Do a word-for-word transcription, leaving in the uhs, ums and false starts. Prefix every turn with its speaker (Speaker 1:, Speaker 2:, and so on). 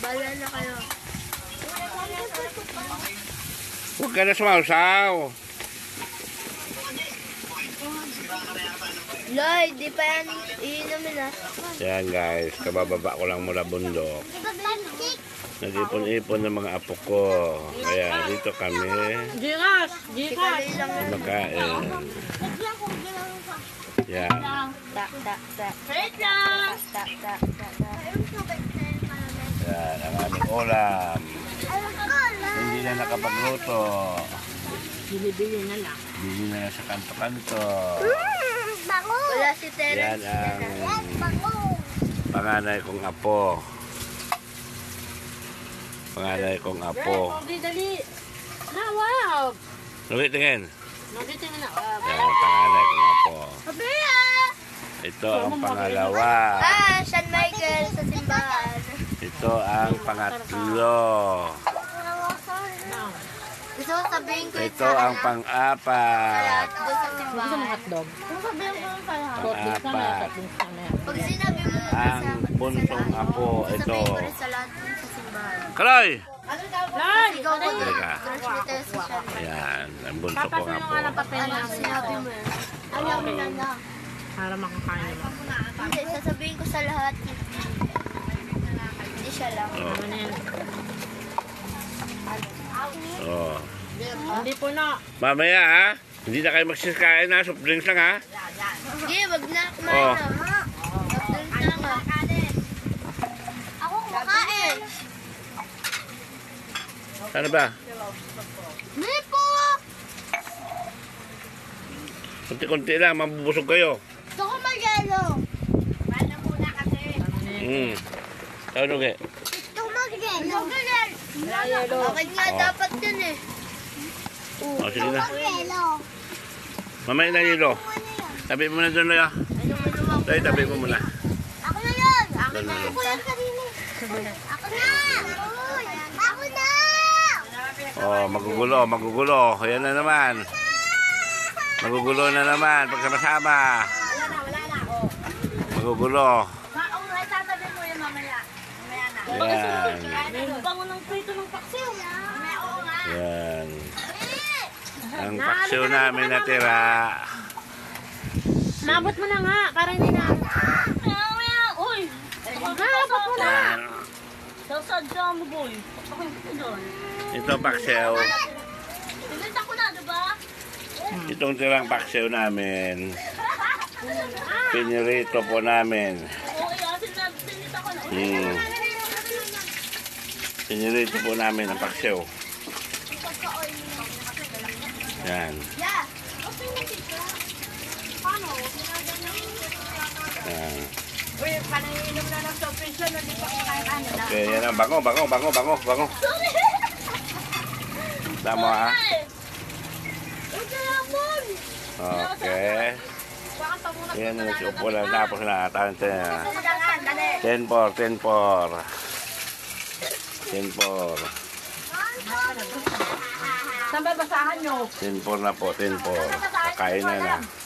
Speaker 1: Bala na kayo.
Speaker 2: Huwag ka na sumausaw.
Speaker 1: Lloyd, di pa yan iinumin ah.
Speaker 2: Yan guys, kabababa ko lang mula bundok. Nag-ipon-ipon ng mga apo ko. Kaya dito kami
Speaker 3: Gikas! Gikas!
Speaker 2: kumakain. Yan.
Speaker 1: Tak, tak, tak.
Speaker 3: Wait lang!
Speaker 1: Tak, tak, tak, tak.
Speaker 2: Yan ang aming ulam. Hindi na nakapagluto.
Speaker 3: Bili-bili na lang.
Speaker 2: Bili na lang sa kanto-kanto.
Speaker 1: Wala si
Speaker 2: Yan
Speaker 1: Terence.
Speaker 2: ang panganay kong apo. Panganay kong apo.
Speaker 3: Dali, dali! Na, wow!
Speaker 2: Lugit tingin.
Speaker 3: Magiting na. Wow.
Speaker 2: Yan ang panganay kong apo.
Speaker 1: Pabaya!
Speaker 2: Ito ang pangalawa.
Speaker 1: Ah, San Michael sa simbahan.
Speaker 2: Ito ang pangatlo.
Speaker 1: Gusto ko sabihin ko yun
Speaker 2: Ito
Speaker 1: sa
Speaker 2: ang pang-apat.
Speaker 1: doon sa
Speaker 3: Gusto mo
Speaker 1: simbahan.
Speaker 3: hotdog? Kung sabihin ko yung kaya. Hot
Speaker 2: Pang-apat.
Speaker 3: drinks na yan.
Speaker 1: Pag sinabi mo na
Speaker 2: Ang
Speaker 1: sa
Speaker 2: buntong apo. Ito.
Speaker 1: sasabihin ko rin sa lahat doon sa simbahan.
Speaker 2: Kaloy!
Speaker 3: Lai!
Speaker 1: Ikaw ko doon.
Speaker 2: Teka.
Speaker 1: Crush ni Tess siya.
Speaker 2: Yan. Ang bunso
Speaker 3: Papasin
Speaker 2: kong
Speaker 3: mo
Speaker 2: apo.
Speaker 3: nga ng papel
Speaker 1: Ano
Speaker 3: na.
Speaker 1: sinabi mo yun? Ayaw mo na lang.
Speaker 3: Para makakain mo.
Speaker 1: Hindi, sasabihin ko sa lahat. Hindi siya lang.
Speaker 2: Oh.
Speaker 3: Ano na yan?
Speaker 2: Oh.
Speaker 3: Hindi po na.
Speaker 2: Mamaya ha. Hindi na kayo magsisikain ha. Soft drinks lang ha.
Speaker 1: Sige, wag na. Kumain
Speaker 2: Oh.
Speaker 1: na. Doon na nga. Ako kumakain.
Speaker 2: Ano ba?
Speaker 1: Hindi po.
Speaker 2: Kunti-kunti lang. Mabubusog kayo.
Speaker 1: Gusto ko mag-yelo.
Speaker 2: Hmm. Ano nga?
Speaker 1: Gusto ko mag-yelo. Bakit nga
Speaker 2: Oh.
Speaker 1: dapat yun eh?
Speaker 2: O, sige na.
Speaker 1: Mag-yelo.
Speaker 2: Mamaya na nilo. Tabi mo na doon na. Tayo, tabi mo muna.
Speaker 1: Ako na yun. Ako
Speaker 2: Doon
Speaker 1: na.
Speaker 2: na.
Speaker 1: Ako yan kanina. Ako na. Ako na.
Speaker 2: Oh, magugulo, magugulo. Ayan na naman. Magugulo na naman pagkakasama. Magugulo. Yan.
Speaker 3: May bango ng prito ng paksiw.
Speaker 2: Yan. Ang paksiw namin natira.
Speaker 3: Nabot mo na nga, para hindi na. Uy! Nabot mo na!
Speaker 2: Yan.
Speaker 3: Sasadya mo, boy. Papakin ko doon.
Speaker 2: Ito paksiw.
Speaker 3: Pinita ko na, diba?
Speaker 2: Itong tirang paksiw namin. Pinirito po namin.
Speaker 3: Oo, yasin na. Pinita ko na.
Speaker 2: Hmm. Pinirito po namin ang paksiw. Yan.
Speaker 1: Yeah.
Speaker 2: Yan.
Speaker 3: Uy, pananginom na ng soft drinks na di pa kakain ano na.
Speaker 2: Okay, yan ang bango, bango, bango, bango, bango. Tama ha? Okay. Yan ang upo lang tapos na. ten four, ten four. ten four.
Speaker 3: Saan ba basahan nyo?
Speaker 2: ten four na po, ten four. Kakain na na.